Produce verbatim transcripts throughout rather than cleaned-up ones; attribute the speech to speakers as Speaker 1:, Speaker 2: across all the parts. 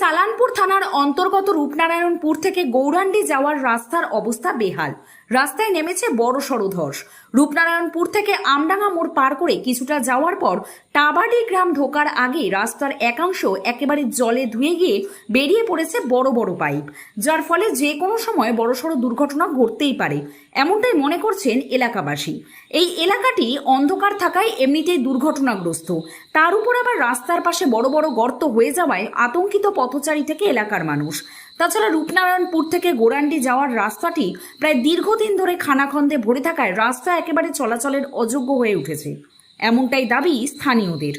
Speaker 1: কালানপুর থানার অন্তর্গত রূপনারায়ণপুর থেকে গৌরাণ্ডি যাওয়ার রাস্তার অবস্থা বেহাল। রাস্তায় নেমেছে বড়সড় ধস। রূপনারায়ণপুর থেকে আমডাঙ্গা মোড় পার করে কিছুটা যাওয়ার পর টাবাডি গ্রাম ঢোকার আগে রাস্তার একাংশ একেবারে জলে ধুয়ে গিয়ে বেরিয়ে পড়েছে বড় বড় পাইপ, যার ফলে যে কোনো সময় বড়সড় দুর্ঘটনা ঘটতেই পারে, এমনটাই মনে করছেন এলাকাবাসী। এই এলাকাটি অন্ধকার থাকায় এমনিতেই দুর্ঘটনাগ্রস্ত, তার উপর আবার রাস্তার পাশে বড় বড় গর্ত হয়ে যাওয়ায় আতঙ্কিত পথচারী থেকে এলাকার মানুষ। তাছাড়া রূপনারায়ণপুর থেকে গৌরাণ্ডি যাওয়ার রাস্তাটি প্রায় দীর্ঘদিন ধরে খানাখন্দে ভরে থাকায় রাস্তা একেবারে চলাচলের অযোগ্য হয়ে উঠেছে, এমনটাই দাবি স্থানীয়দের।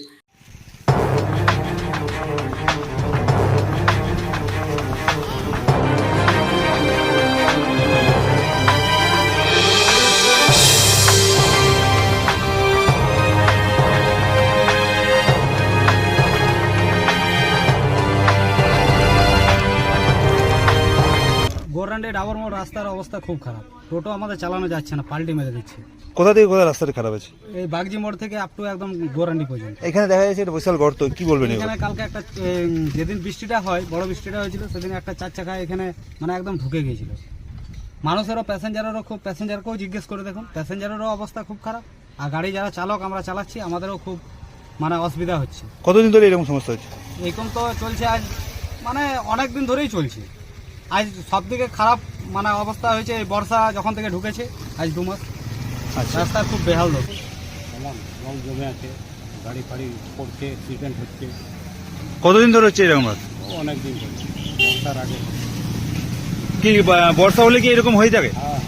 Speaker 2: গৌরাণ্ডি ডাবর মোড় রাস্তার অবস্থা খুব খারাপ, টোটো আমাদের চালানো যাচ্ছে না, পাল্টি মেরে দিচ্ছে।
Speaker 3: কোথা থেকে কোথায় রাস্তাটা খারাপ আছে?
Speaker 2: এই বাগজি মোড় থেকে আপ টু একদম গৌরাণ্ডি পর্যন্ত।
Speaker 3: এখানে দেখা যাচ্ছে এটা বিশাল গর্ত, কি বলবেন?
Speaker 2: এখানে কালকে একটা উম, যেদিন বৃষ্টিটা হয়, বড় বৃষ্টিটা হয়েছিল, সেদিন একটা চার চাকা এখানে মানে একদম ঢুকে গিয়েছিল। মানুষেরও, প্যাসেঞ্জারেরও খুব, প্যাসেঞ্জারকেও জিজ্ঞেস করে দেখুন, প্যাসেঞ্জারেরও অবস্থা খুব খারাপ। আর গাড়ি যারা চালক আমরা চালাচ্ছি, আমাদেরও খুব মানে অসুবিধা হচ্ছে।
Speaker 3: কতদিন ধরে এরকম সমস্যা হচ্ছে?
Speaker 2: এরকম তো চলছে আজ মানে অনেক দিন ধরেই চলছে। আজ সব থেকে খারাপ মানে অবস্থা হয়েছে এই বর্ষা যখন থেকে ঢুকেছে, আজ দু মাস।
Speaker 3: আচ্ছা,
Speaker 2: রাস্তা খুব বেহাল লোক,
Speaker 4: রং জমে আছে, গাড়ি ফাড়ি পড়ছে, অ্যাক্সিডেন্ট হচ্ছে।
Speaker 3: কতদিন ধরে হচ্ছে এরকম?
Speaker 4: অনেক দিন ধরে, বর্ষার আগে।
Speaker 3: কি বা- বর্ষা হলে কি এরকম হয়ে থাকে?
Speaker 4: হ্যাঁ,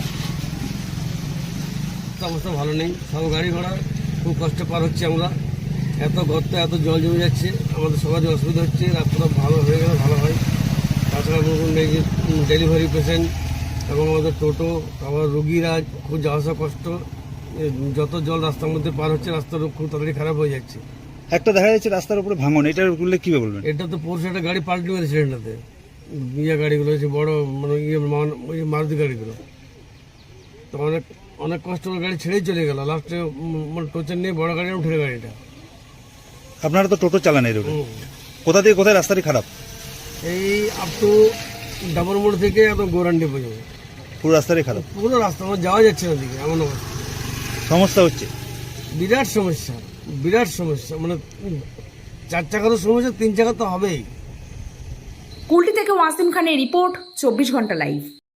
Speaker 5: অবস্থা ভালো নেই, সব গাড়ি ঘোড়া খুব কষ্ট পার হচ্ছে আমরা। এত গর্ত, এত জল জমে যাচ্ছে, আমাদের সবারই অসুবিধা হচ্ছে। রাস্তাটা ভালো হয়ে গেলে ভালো হয়। তাছাড়া ডেলিভারি পেশেন্ট এবং আমাদের টোটো, আবার রুগীরা খুব যাওয়া আসা কষ্ট। এ, যত জল রাস্তার মধ্যে পার হচ্ছে, রাস্তাটা খুব তাড়াতাড়ি খারাপ হয়ে যাচ্ছে।
Speaker 3: একটা দেখা যাচ্ছে রাস্তার উপরে ভাঙন, এটার বললে কি বলবেন?
Speaker 5: এটা তো পরশু একটা গাড়ি পাল্টি মেরেছে এটাতে, ইয়ে গাড়িগুলো হচ্ছে বড় মানে ইয়ে মান- ওই যে মারুতি গাড়িগুলো। তো অনেক অনেক কষ্ট করে গাড়ি ছেড়েই চলে গেল, লাস্টে মানে টোচের নিয়ে বড় গাড়ি উঠে গাড়িটা।
Speaker 3: আপনারা তো টোটো চালান, এরকম
Speaker 5: হুম।
Speaker 3: কোথা থেকে কোথায় রাস্তাটি খারাপ?
Speaker 5: এই আপ টু ডাবর মোড় থেকে একদম গৌরাণ্ডি পর্যন্ত
Speaker 3: পুরো রাস্তাটাই খারাপ,
Speaker 5: পুরো রাস্তা আমার যাওয়া যাচ্ছে না দিকে, এমন অবস্থা।
Speaker 3: সমস্যা হচ্ছে,
Speaker 5: বিরাট সমস্যা, বিরাট সমস্যা। মানে উম, চার চাকারও সমস্যা, তিন চাকা তো হবেই।
Speaker 1: কুলটি থেকে ওয়াসিম খানের রিপোর্ট, চব্বিশ ঘন্টা লাইভ।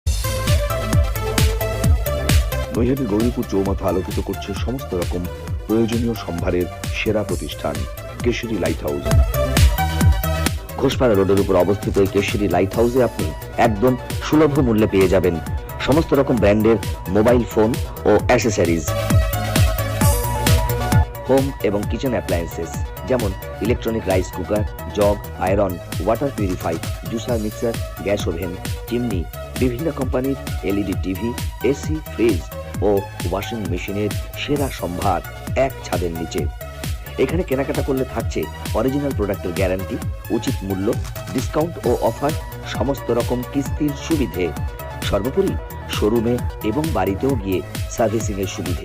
Speaker 6: নৈহাটি গৌরীপুর চৌমাথা আলোকিত করছে সমস্ত রকম প্রয়োজনীয় সম্ভারের সেরা প্রতিষ্ঠান কেশরী লাইট হাউস। ঘোষপাড়া রোডের উপর অবস্থিত এই কেশরী লাইট হাউসে আপনি একদম সুলভ মূল্যে পেয়ে যাবেন সমস্ত রকম ব্র্যান্ডের মোবাইল ফোন ও অ্যাসেসরিজ, হোম এবং কিচেন অ্যাপ্লায়েন্সেস যেমন electronic rice cooker, jug, iron, water purify, juicer, mixer, gas oven, chimney, বিভিন্ন কোম্পানির এলইডি টিভি, এসি, ফ্রিজ ও ওয়াশিং মেশিনের সেরা সম্ভার এক ছাদের নিচে। এখানে কেনাকাটা করলে থাকছে অরিজিনাল প্রোডাক্টের গ্যারান্টি, উচিত মূল্য, ডিসকাউন্ট ও অফার, সমস্ত রকম কিস্তির সুবিধে, সর্বোপরি শোরুমে এবং বাড়িতেও গিয়ে সার্ভিসিং এর সুবিধে।